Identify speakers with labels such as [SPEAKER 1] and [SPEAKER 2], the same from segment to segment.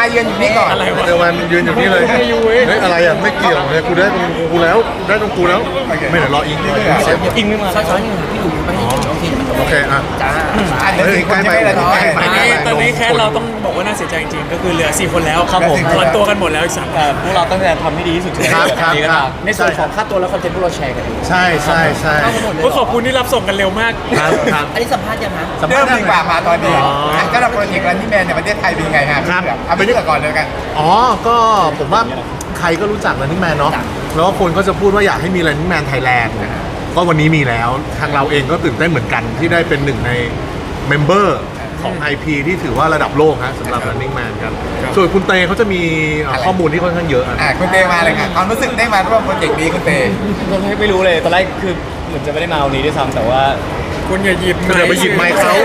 [SPEAKER 1] เยือนอยู่นี่ก่อน
[SPEAKER 2] เดี๋ยวมันยืนอยู่นี่เลยเฮ้ยอะไรอ่ะไม่เกี่ยวเลยกูได้ตรงกูแล้วได้ตรงกูแล้วไม่เดี๋ยวรออิงเซฟ
[SPEAKER 3] อิงไม่มา
[SPEAKER 4] ช้อนๆอยู่พี่ดูไม่ให้โอเค
[SPEAKER 2] โอเคอ่ะ
[SPEAKER 4] จ้า
[SPEAKER 1] เดี๋ยวใกล้ไปเลย
[SPEAKER 3] ตอนนี้แค่เราต้องบอกว่าน่าเสียใจจริงๆก็คือเหลือ4คนแล้ว
[SPEAKER 1] ครับผม
[SPEAKER 3] ถอนตัวกันหมดแล้วอีก3
[SPEAKER 5] แต่พวกเราตั้งใจทำให้ดีที่สุด
[SPEAKER 2] ครับครับ
[SPEAKER 5] ดีก็
[SPEAKER 2] ครับ
[SPEAKER 5] ตาม
[SPEAKER 4] ในส่วนของค่าตัวและคอนเทนต์พวกเราแชร์กันเอง
[SPEAKER 2] ใช่ใช่ใช่
[SPEAKER 4] เข้ามาหมดเลย
[SPEAKER 3] ก็ขอบคุณที่รับส่งกันเร็วมาก
[SPEAKER 2] ครับครับ
[SPEAKER 4] อันนี้สัมภาษณ์ยังคะ
[SPEAKER 1] เริ่มดีกว่ามาตอนนี้ก็เราโปรเจกต์รันนี่แมนในประเทศไทยเป็นยังไงฮะเอาไปเลือกก่อนเลยกัน
[SPEAKER 2] อ๋อก็ผมว่าใครก็รู้จัก Running Man เนาะแล้วก็คนก็จะพูดว่าอยากให้มี Running Man Thailand ก็วันนี้มีแล้วทางเราเองก็ตื่นเต้นเหมือนกันที่ได้เป็นหนึ่งในเมมเบอร์ของ IP ที่ถือว่าระดับโลกฮะสำหรับ Running Man กันส่วนคุณเตเขาจะมีข้อมูลที่ค่อนข้างเยอะ
[SPEAKER 1] คุณเตมาเลยค่ะความรู้สึกได้มาร่วมโปรเจกต์นี้คุณเต
[SPEAKER 5] ตอนแรกไม่รู้เลยตอนแรกคือเหมือนจะไม่ได้มาวันนี้ด้วยซ้ำแต่ว่า
[SPEAKER 3] คุณอย่าหยิบ
[SPEAKER 2] คุณอย่าไปหยิบไมค์เขา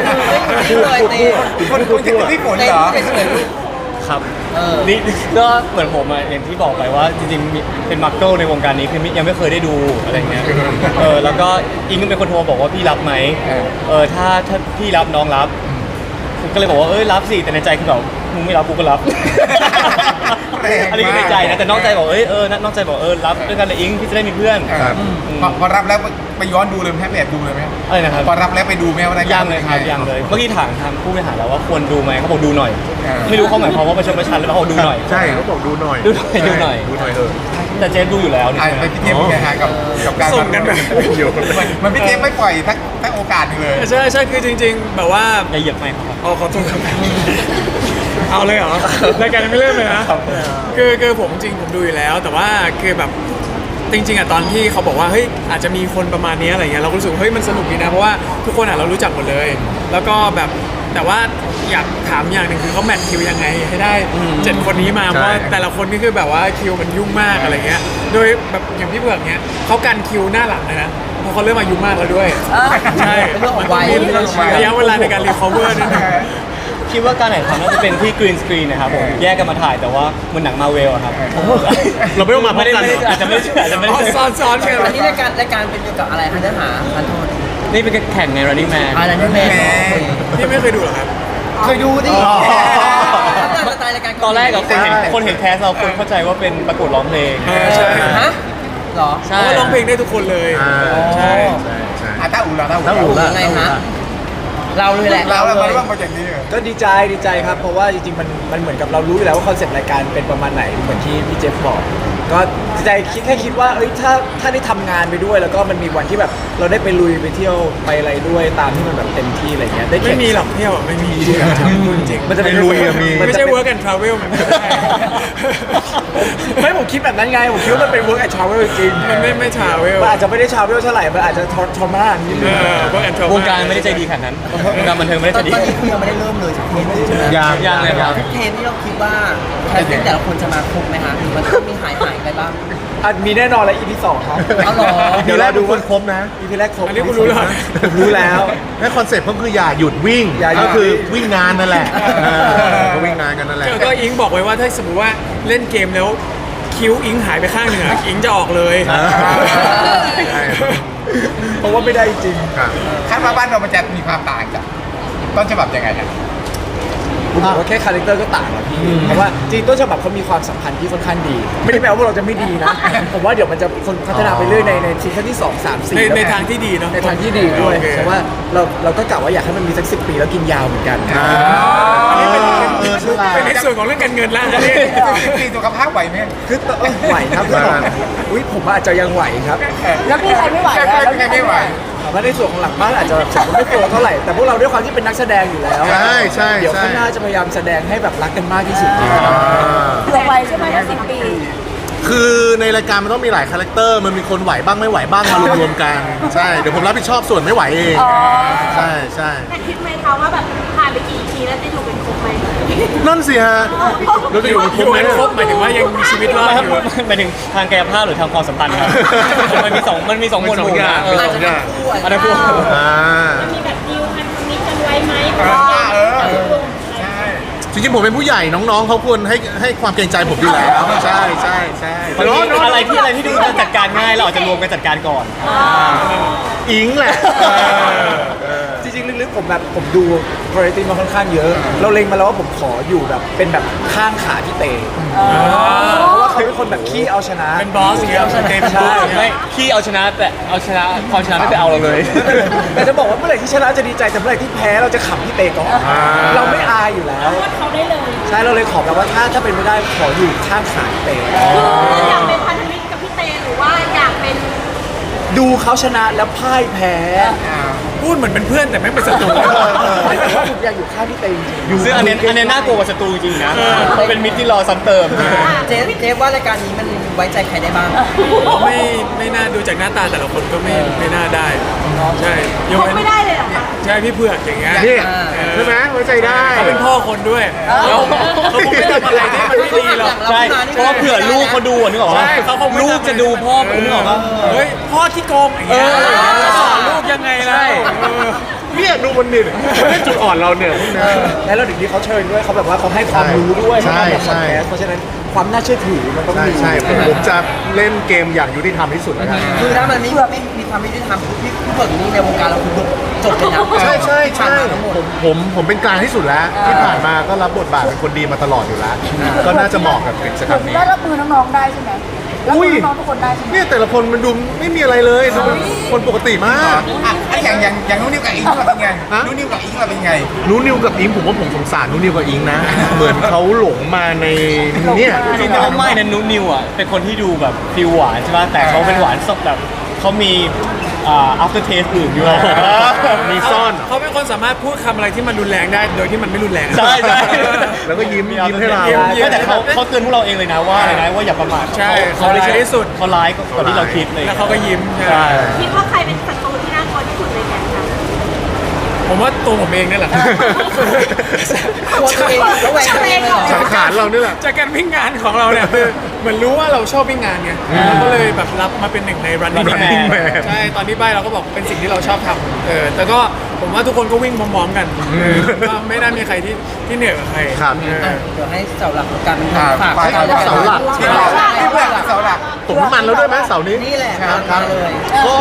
[SPEAKER 1] คุณจะพี่ฝนเหรอ
[SPEAKER 5] ครับนี่ก็เหมือนผมอะอย่างที่บอกไปว่าจริงๆเป็นมาร์เกิลในวงการนี้คือยังไม่เคยได้ดูอะไรเงี้ยแล้วก็อิงก็เป็นคนโทรบอกว่าพี่รับไหมถ้าพี่รับน้องรับก็เลยบอกว่ารับสิแต่ในใจคือแบบมึงไม่รับกูก็รับอันนี้ก็ในใจนะแต่นอกใจบอกนอกใจบอกรับด้วยกันเลยอิงพี่จะได้มีเพื่อน
[SPEAKER 1] พอรับแล้วไปย้อนดูเลยไหมไปแอบดูเลยไหม
[SPEAKER 5] อะไรนะครับ
[SPEAKER 1] พอรับแล้วไปดูไหมว่า
[SPEAKER 5] ยังเลยครับยังเลยเมื่อกี้ถามทางผู้บริหารแล้วว่าควรดูไหมเขาบอกดูหน่อย ไม่รู้เขาหมายความว่าประชดประชันหรือเปล่าเขาดูหน่อย
[SPEAKER 2] ใช่เขาบอกดูหน่อย
[SPEAKER 5] ดูหน่อยดูหน่อย
[SPEAKER 2] ดูหน่อย
[SPEAKER 5] แต่เจฟดูอยู่แล้วนี่
[SPEAKER 1] ไปพี่เจมส์ไงฮะกับการ
[SPEAKER 3] ส่งกันแบบ
[SPEAKER 1] มันพี่เจมส์ไม่ปล่อยทั้งโอกาสเลย
[SPEAKER 3] ใช่คือจริงๆแบบว่า
[SPEAKER 5] อย่าเหยียบไมค์ครับ
[SPEAKER 3] ขอโทษครับเอาเลยเหรอรายการยังไม่เริ่มเลยนะคือผมจริงผมดูอยู่แล้ว แต่ว่าคือแบบจริงๆอ่ะตอนที่เขาบอกว่าเฮ้ยอาจจะมีคนประมาณนี้อะไรเงี้ยเราก็รู้สึกเฮ้ยมันสนุกดีนะเพราะว่าทุกคนอ่ะเรารู้จักหมดเลย แล้วก็แบบแต่ว่าอยากถามอย่างหนึ่งคือเขาแมทคิวยังไงให้ได้7คนนี้มาเพราะแต่ละคนนี่คือแบบว่าคิวมันยุ่งมากอะไรเงี้ยโดยแบบอย่างพี่เผือกเนี้ยเขากันคิวหน้าหลังเลยนะเพราะเขาเริ่มอายุมากแล้วด้วยใช่
[SPEAKER 4] เป็นเรื่องของวัย
[SPEAKER 3] ระยะเวลาในการรีคอเวอร์นิดนึง
[SPEAKER 5] คิดว่าการถ่ายทำน่าจะเป็นที่กรีนสกรีนนะครับผมแยกกันมาถ่ายแต่ว่าเหมันหนังมาเวลอะครับ
[SPEAKER 2] เราไม่ต้องมาพร้อมกัน
[SPEAKER 5] อาจจะไม่ได้
[SPEAKER 3] ซ้อนกัน
[SPEAKER 4] อันนี้รายการเป็นเกี่ยวกับอะไรคะเนื้อหาทันโทษ
[SPEAKER 5] นี่เป็นแข่งใน Running Man
[SPEAKER 4] อะไรนี่แม่
[SPEAKER 3] พี่ไม่เคยดูหรอครับ
[SPEAKER 4] เคยดูดิสไตล์รายการ
[SPEAKER 5] ตอนแรกกับคนเห็นแคสเราคนเข้าใจว่าเป็นประกวดร้องเพลง
[SPEAKER 3] ใช่
[SPEAKER 4] ฮะหรอ
[SPEAKER 3] เพราะว่าร้องเพลงได้ทุกคนเลย ใช่
[SPEAKER 1] ถ้าอู๋เรา
[SPEAKER 4] ยังไงฮะเราเลยแหละ
[SPEAKER 1] เรามาร่วมโปรเจกต์นี้
[SPEAKER 6] ก็ดีใจครับเพราะว่าจริงๆมันเหมือนกับเรารู้อยู่แล้วว่าคอนเซ็ปต์รายการเป็นประมาณไหนเหมือนที่พี่เจฟบอกก็ดีใจคิดว่าถ้าได้ทำงานไปด้วยแล้วก็มันมีวันที่แบบเราได้ไปลุยไปเที่ยวไปอะไรด้วยตามที่มันแบบเต็มที่อะไรเงี้ยได้
[SPEAKER 3] ไม่มีหรอกเที่ยวไม่มีจริง
[SPEAKER 6] มันจะเป็น
[SPEAKER 2] ลุยอะมี
[SPEAKER 3] ไม่ใช่ work and travel มันไม่ใช่
[SPEAKER 6] ไม่ผมคิดแบบนั้นไงผมคิดว่ามันเป็น work and travel จริง
[SPEAKER 3] มันไม่ travel
[SPEAKER 6] มันอาจจะไม่ได้ travel เท่าไหร่มันอาจจะทรมานนิดนึง
[SPEAKER 3] work and travel
[SPEAKER 5] วงการไม่ได้ใจดีขนาดนั้นวงการบันเทิงไม่ได้
[SPEAKER 4] ต
[SPEAKER 5] ใจ
[SPEAKER 4] อน
[SPEAKER 5] ดี
[SPEAKER 4] นี้คือยังไม่ได้เริ่มเลยสักเทปเลยใช่ไหม
[SPEAKER 5] ยังเลยครับ
[SPEAKER 4] เทปที่เราคิดว่าแคสติ้งแต่ละคนจะมาครบไหมคะหรือมันต้องมีหายไปบ้าง
[SPEAKER 6] มีแน่นอนแล้ว EP 2ครับ
[SPEAKER 4] เอาเหรอ
[SPEAKER 2] เดี๋ยวเราดูคนครบนะ
[SPEAKER 6] EP แรกครบ
[SPEAKER 3] อันนี้คุณรู้แล้ว
[SPEAKER 6] ผมรู้แล้ว
[SPEAKER 2] และคอนเซ็ปต์ก็คืออย่าหยุดวิ่ง
[SPEAKER 6] อย่าหยุด
[SPEAKER 2] ก็คือวิ่งนานนั่นแหละก็วิ่งนานกันนั่นแหละ
[SPEAKER 3] ก็อิงบอกไว้ว่าถ้าสมมติว่าเล่นเกมแล้วคิ้วอิงหายไปข้างหนึ่งอะอิงจะออกเลย
[SPEAKER 2] ใช่
[SPEAKER 6] เพราะว่าไม่ได้จริง
[SPEAKER 2] ครับ
[SPEAKER 1] คาดว่าบ้านเรามันจะมีความต่างจากต้นฉบับยังไงฮะ
[SPEAKER 6] ผมบอกว่าแค่คาแรคเตอร์ก็ต่างแล้วพี่เพราะว่าจริงต้นฉบับเขามีความสัมพันธ์ที่ค่อนข้างดี ไม่ได้แปลว่าเราจะไม่ดีนะ ผมว่าเดี๋ยวมันจะคนพัฒนาไปเรื่อยในซีซั่นที่2 3 4
[SPEAKER 3] ในทางที่ดีเนาะ
[SPEAKER 6] ในทางที่ดีด้วย
[SPEAKER 3] โอเค
[SPEAKER 6] เพราะว่าเราก็กะว่าอยากให้มันมีสัก10 ปีแล้วกินยาวเหมือนกัน
[SPEAKER 3] อันนี้เป็น
[SPEAKER 2] ฉลาด
[SPEAKER 3] เป็นในส่วนของเรื่องการเงินแล้วอันนี้
[SPEAKER 1] ปีสุขภาพไหวไหม
[SPEAKER 6] คือไหวครับอุ้ยผมอาจจะยังไหวครับ
[SPEAKER 4] แล้วพี่ใครไม่ไหวแล้ว
[SPEAKER 1] ไม่ไหว
[SPEAKER 6] แต่ว่าในส่วนของหลังบ้านอาจจะไม่โตเท่าไหร่แต่พวกเราด้วยความที่เป็นนักแสดงอยู่แล้ว
[SPEAKER 2] ใช่
[SPEAKER 6] เดี๋ยวข้างหน้าจะพยายามแสดงให้แบบรักกันมากที่สุด
[SPEAKER 7] เผื่อไว้ใช่ไหมถ้า10 ปี
[SPEAKER 2] คือในรายการมันต้องมีหลายคาแรคเตอร์มันมีคนไหวบ้างไม่ไหวบ้างมารวมๆกันใช่เดี๋ยวผมรับผิดชอบส่วนไม่ไหวเอง
[SPEAKER 7] อ๋อ
[SPEAKER 2] ใช่ใช่
[SPEAKER 7] แต่คิดไหมคะว่าแบบผ่านไปกี่ทีแล้วจะอยู่เป็นครบไหม
[SPEAKER 2] นั่นสิฮะเราจะอยู่กันครบไหม
[SPEAKER 3] ครบหมายถึงว่ายังมีชีวิตรอดอยู่
[SPEAKER 5] หมายถึงทางกายภาพหรือทางความสัมพันธ์ครับมันมีสองหมวดหมู่นะ
[SPEAKER 4] อาจจะเป็นคู่
[SPEAKER 5] อันนั้นพวก
[SPEAKER 2] อ่า
[SPEAKER 7] มีแบบดิวกันมิตรกันไว้ไหม
[SPEAKER 2] จริงๆผมเป็นผู้ใหญ่น้องๆเขาควรให้ความเกรงใจผมอยู่แล้วใช่ใช่ใช่
[SPEAKER 5] อะไรที่ดูจะจัดการง่ายเราอาจจะรวมกันจัดการก่อน
[SPEAKER 2] อิงแหละ
[SPEAKER 6] จริงๆลึกๆผมดูวาไรตี้มาค่อนข้างเยอะ เราเล็งมาแล้วว่าผมขออยู่แบบเป็นแบบข้างขาพี่เตเพราะว่าเขาเป็นคนแบบขี้เอาชนะ
[SPEAKER 3] เป็นบอสอย่างเงี้ยเต็ม
[SPEAKER 6] ใช่
[SPEAKER 5] ไม่ขี้เอาชนะแต่เอาชนะความชนะไม่ไปเอาเราเลย
[SPEAKER 6] แต่จะบอกว่าเมื่อไหร่ที่ชนะจะดีใจแต่เมื่อไหร่ที่แพ้เราจะขำพี่เตก่อนเราไม่อายอยู่แล้ว
[SPEAKER 7] โทษเขาได้เลย
[SPEAKER 6] ใช่เราเลยขอแบบว่าถ้าเป็นไม่ได้ขออยู่ข้างขาพี่เต
[SPEAKER 7] อยากเป็นพันธมิตรกับพี่เตหรือว่าอยากเป็น
[SPEAKER 6] ดูเขาชนะแล้วพ่ายแพ้
[SPEAKER 3] พูดเหมือนเป็นเพื่อนแต่ไม่เป็นศัตรู
[SPEAKER 6] แต่ว่าผมอยากอยู่ข้างพี่เตจริงๆ
[SPEAKER 5] ซึ่งอันเนี้ยน่ากลัวกว่าศัตรูจริงๆนะเป็นมิตรที่รอซ้ำเติม
[SPEAKER 4] เจฟว่ารายการนี้มันไว้ใจใครได้บ้าง
[SPEAKER 3] ไม่น่าดูจากหน้าตาแต่ละคนก็ไม่น่าได้ใช่ยก
[SPEAKER 7] คบ
[SPEAKER 3] เว้น
[SPEAKER 7] ไม่ได้เลยเหรอคะ
[SPEAKER 3] ใช่พี่เผือกอย่างเงี้ย
[SPEAKER 2] นี่ใช่ไหมไว้ใจได้
[SPEAKER 3] เขาเป็นพ่อคนด้วยแล้วเขาคงไม่ทำอะไรที่มันไม่ดีหรอก
[SPEAKER 5] ใช่เพราะว่าเผื่อลูกเขาดูนึกออกปะ
[SPEAKER 3] ใช่เขาคงไม่
[SPEAKER 5] ลูกจะดูพ่อคุณนึกออกปะ
[SPEAKER 3] เฮ้ยพ่อที่โกงอย่างเงี้ยจะสอนลูกยังไงล่ะ
[SPEAKER 2] เนี่ยดูมันนี่นี่จุดอ่อนเราเนี่ยนะ
[SPEAKER 6] แล้วเราถึงที่เขาเชิญด้วยเขาแบบว่าเขาให้ความรู้ด้วย
[SPEAKER 2] ใช่
[SPEAKER 6] เขาทำแบบพอดแคสต์เพราะฉะนั้นความน่าเชื่อถือมันต้อง
[SPEAKER 2] ใช่
[SPEAKER 6] มี
[SPEAKER 2] ใช่ผมจะเล่นเกมอย่างยุติธรรมที่สุดแล้วกัน
[SPEAKER 4] คือถ้ามันไม่มีความยุติธรรมพี่เบิร์ดนี่ในวงการเราคือจบเลยนะ
[SPEAKER 2] ใช่ใช่ใช่ผมเป็นกลางที่สุดแล้ว ที่ผ่านมาก็รับบทบาทเป็นคนดีมาตลอดอยู่แล้ว ก็น่าจะเหมาะกับกิจกรรมนี้
[SPEAKER 7] ได้รับมือน้องๆได้ใช่ไหมรับมือน้องๆทุกคนได้ใช่ไหม
[SPEAKER 2] เนี่ยแต่ละคนมันดูไม่มีอะไรเลยดูเป็นคนปกติมาก
[SPEAKER 1] อย่างนู้นนิวกับอิงเราเป็นไงนู้นนิวกับอิงเราเป็นไง
[SPEAKER 2] นูนิวกับอิงผมว่าผมสงสารนูนิวกับอิงนะ เหมือนเขาหลงมาในเนี่ย
[SPEAKER 5] จริงๆแล้วไม่นะนุนิวอ่ะเป็นคนที่ดูแบบฟิลหวานใช่ป่ะแต่เขาเป็นหวานสดแบบเขามีafter taste อื่นด้วย
[SPEAKER 2] มีซ่อน
[SPEAKER 3] เขาเป็นคนสามารถพูดคำอะไรที่มันรุนแรงได้โดยที่มันไม่รุนแรง
[SPEAKER 5] ใช่ใช่
[SPEAKER 2] แล้วก็ยิ้มให้เรา
[SPEAKER 5] ไม่แต่เขาเตือนพวกเราเองเลยนะว่าอะไรนะว่าอย่าประมาท
[SPEAKER 3] ใช่เขาร้ายที่สุด
[SPEAKER 5] เขาร้ายกว่าที่เราคิดเลย
[SPEAKER 3] แล้วเขาก็ยิ้ม
[SPEAKER 5] ใช่
[SPEAKER 7] คิดว่าใครเป็นศัตรูที่น่ากลัวที่สุดเลยเนี่ยคะ
[SPEAKER 3] ผมว่าตัวผมเองนี่แหละ
[SPEAKER 4] ตัวเองแล้วแหวกตัวเองเลยเหรอ
[SPEAKER 2] สังขารเราเนี่ยแหละ
[SPEAKER 3] จากการวิ่งงานของเราเนี่ยคือเหมือนรู้ว่าเราชอบวิ่งงานไงเราก็เลยแบบรับมาเป็นหนึ่งใน running
[SPEAKER 2] Running
[SPEAKER 3] man
[SPEAKER 2] Man
[SPEAKER 3] ใช่ตอนที่ใบเราก็บอกเป็นสิ่งที่เราชอบทำแต่ก็ผมว่าทุกคนก็วิ่งพร้อมๆกันก็ไม่น่ามีใครที่เหนื่อยกว่าใคร
[SPEAKER 2] ครับ
[SPEAKER 4] เดี๋ยวให้เสาหลักของการฝาก
[SPEAKER 2] เสาหลัก
[SPEAKER 1] ที่เพื่อนเสาหลัก
[SPEAKER 2] ตกน้ำมันแล้วด้วยไหมเสาร์นี้
[SPEAKER 4] นี่แหละ
[SPEAKER 2] ครับ
[SPEAKER 4] เลย
[SPEAKER 2] ก็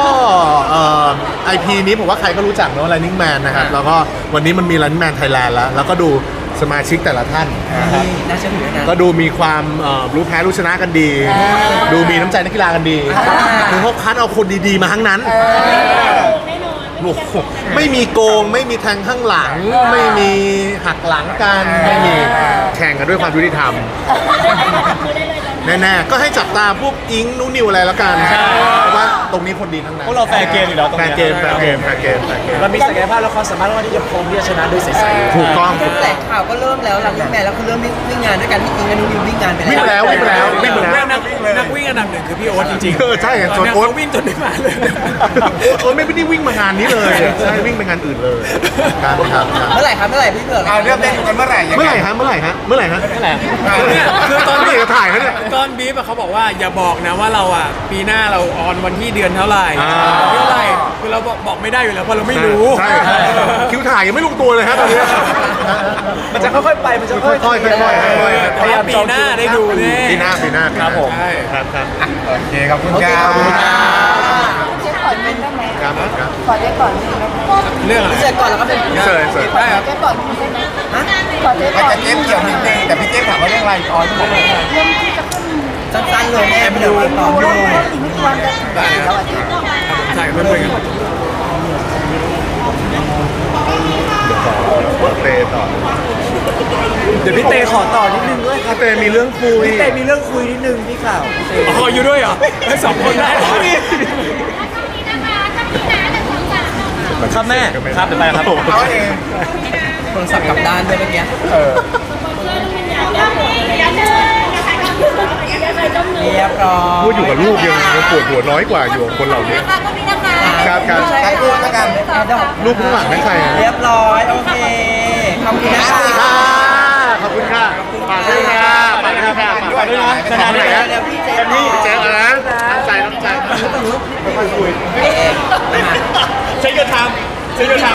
[SPEAKER 2] IP นี้ผมว่าใครก็รู้จักเนอะ Running Man นะครับ แล้วก็วันนี้มันมี Running Man Thailand แล้วก็ดูสมาชิกแต่ละท่าน
[SPEAKER 4] นี่น่าเชื่อถือนะ
[SPEAKER 2] ก็ดูมีความรู้แพ้รู้ชนะกันดี ดูมีน้ำใจนักกีฬากันดีคือเขาคัดเอาคนดีๆมาทั้งนั้น
[SPEAKER 7] แน่นอน
[SPEAKER 2] โอ้โหไม่มีโกง ไม่มีแทงข้างหลัง ไม่มีหักหลังกัน ไม่มีแข่งกันด้วยความยุติธรรม
[SPEAKER 7] คือได้เลย
[SPEAKER 2] แน่ๆ ก็ให้จับตาพวกอิงนูนิวอะไรแล้วกัน เพราะว่าตรงนี้คนดีทั้งนั้น
[SPEAKER 5] พวกเราแฟร์เกมอยู่แล้วตรง
[SPEAKER 2] แฟ
[SPEAKER 5] เนี้
[SPEAKER 2] ร์เกมแฟร์เกมแฟร์เกมแฟร์เกม
[SPEAKER 6] เรามีศักยภาพและความสามารถว่าที่จะพร้อมที่จะชนะโดยใสๆ
[SPEAKER 2] ถูกต้อง
[SPEAKER 4] แถลงข่าวก็เริ่มแล้วหลังวิ่งแมนแล้วคือเริ่มวิ่งงานด้วยกันพี่อิงกับนุ่นวิ่งงานไป
[SPEAKER 2] วิ่งไปแล้ววิ่งไปแล้ววิ่งไปแล้ว
[SPEAKER 3] นักวิ่งอันดับหนึ่งคือพี่โอ๊ตจริง
[SPEAKER 2] ใช่ส่วน
[SPEAKER 3] เนี่ย
[SPEAKER 2] โอ๊ต
[SPEAKER 3] เขาวิ่งจนได้มาเลย
[SPEAKER 2] โอ๊ตไม่ได้วิ่งมางานนี้เลย ใช่วิ่งไปงานอื่นเลยครับครับ
[SPEAKER 4] เมื่อไหร่ครับเมื่อไหร่พี่เผือก
[SPEAKER 1] เริ่มได้ดูกันเมื่อไหร่ยัง
[SPEAKER 2] เมื่อ
[SPEAKER 1] ไง
[SPEAKER 2] ไหร่ฮะเมื่อไหร่ฮะเมื่อไหร่ฮะ
[SPEAKER 5] นั่นแหละ
[SPEAKER 3] เนี่ยคือตอน
[SPEAKER 2] นี่ถ่ายเขาเนี่ย
[SPEAKER 3] ตอนบีฟอะเขาบอกว่าอย่าบอกนะว่าเราอ่ะปีหน้าเราออนวันที่เดือนเท่าไหร่
[SPEAKER 2] อ่า
[SPEAKER 3] เท่าไหร่คือเราบอกไม่ได้อยู่แล้วเพราะเราไม่รู้
[SPEAKER 2] ใช่คิวถ่ายยังไม่ลงตัวเลยฮะตอนนี้
[SPEAKER 6] มันจะค่อยๆไปมันจะค่อยๆ
[SPEAKER 2] ค่อยๆค่อยๆ
[SPEAKER 3] แต่ว่าปีหน้าได้ดูแน่
[SPEAKER 2] ปีหน้าครับผม
[SPEAKER 3] ใช่
[SPEAKER 2] ครับครับ
[SPEAKER 1] โอเคขอบคุณครับ
[SPEAKER 7] เจ๊ก่อนนิดได้ไหม
[SPEAKER 2] ครับครับ
[SPEAKER 7] ขอเจ๊ก่อนนิดได้ไหม
[SPEAKER 3] เรื่องอะไร
[SPEAKER 4] เสร็จก่อนแล้วก็เป็น
[SPEAKER 2] เสิร์ฟเสิร์ฟ
[SPEAKER 3] ได้ครับ
[SPEAKER 7] เจ๊ก่อนนิดได้ไหมขอเจ๊
[SPEAKER 1] มัน
[SPEAKER 7] ก่อน
[SPEAKER 1] จะเจ๊เกี่ยวนิดนึงแต่พี่เจ๊ถามว่าเรื่องอะไรก่อน
[SPEAKER 7] เรื่องที่จะขึ้น
[SPEAKER 4] สั้นๆเลยแม่ไม่
[SPEAKER 7] ดู
[SPEAKER 4] เดี๋ยวตอบ
[SPEAKER 7] ดู
[SPEAKER 4] เล
[SPEAKER 7] แล้ว
[SPEAKER 4] ย
[SPEAKER 7] อีกไม่กี่วันจะถึงแล้วอ่ะเจ๊
[SPEAKER 3] ถ่ายเพื่อนๆกัน
[SPEAKER 2] เตะต่อ
[SPEAKER 6] เดี๋ยวพี่เตขอต่อนิดนึงด้วยครับ
[SPEAKER 2] เตะมีเรื่องคุย
[SPEAKER 6] พี่เตมีเรื่องคุยนิดนึงพี่ข่าวพี่เต
[SPEAKER 3] อ๋ออยู่ด้วยเหรอให้สองคนได้เหรอ
[SPEAKER 5] ครับแม่ครับเดี๋ยวไปครับ
[SPEAKER 1] เขาเอง
[SPEAKER 4] โทรศัพท์กลับด้านด้วยเมื่อกี้ เรียบร้อย
[SPEAKER 2] พูดอยู่กับลูกยังปวดหัวน้อยกว่าอยู่กับคนเหล่านี้
[SPEAKER 7] ก็มีนะคะ
[SPEAKER 2] ครับครับ
[SPEAKER 1] ใช้พูดแล้วกัน
[SPEAKER 2] ลูกข้างหลังนั่นใครอะ
[SPEAKER 4] เรียบร้อยโอเคขอบคุณนะคะ
[SPEAKER 2] ค่ะขอบคุณค่ะฝากด้วยค่ะฝากด้วยค่ะฝากด้วยนะสนามไหนฮะ
[SPEAKER 4] เดี๋ยวพี่เจ๊
[SPEAKER 2] พี่เจ๊นะน้ำใจน้ำใจ
[SPEAKER 4] เอ๊ะ
[SPEAKER 5] ใช้เงินทำใช้เงินทำ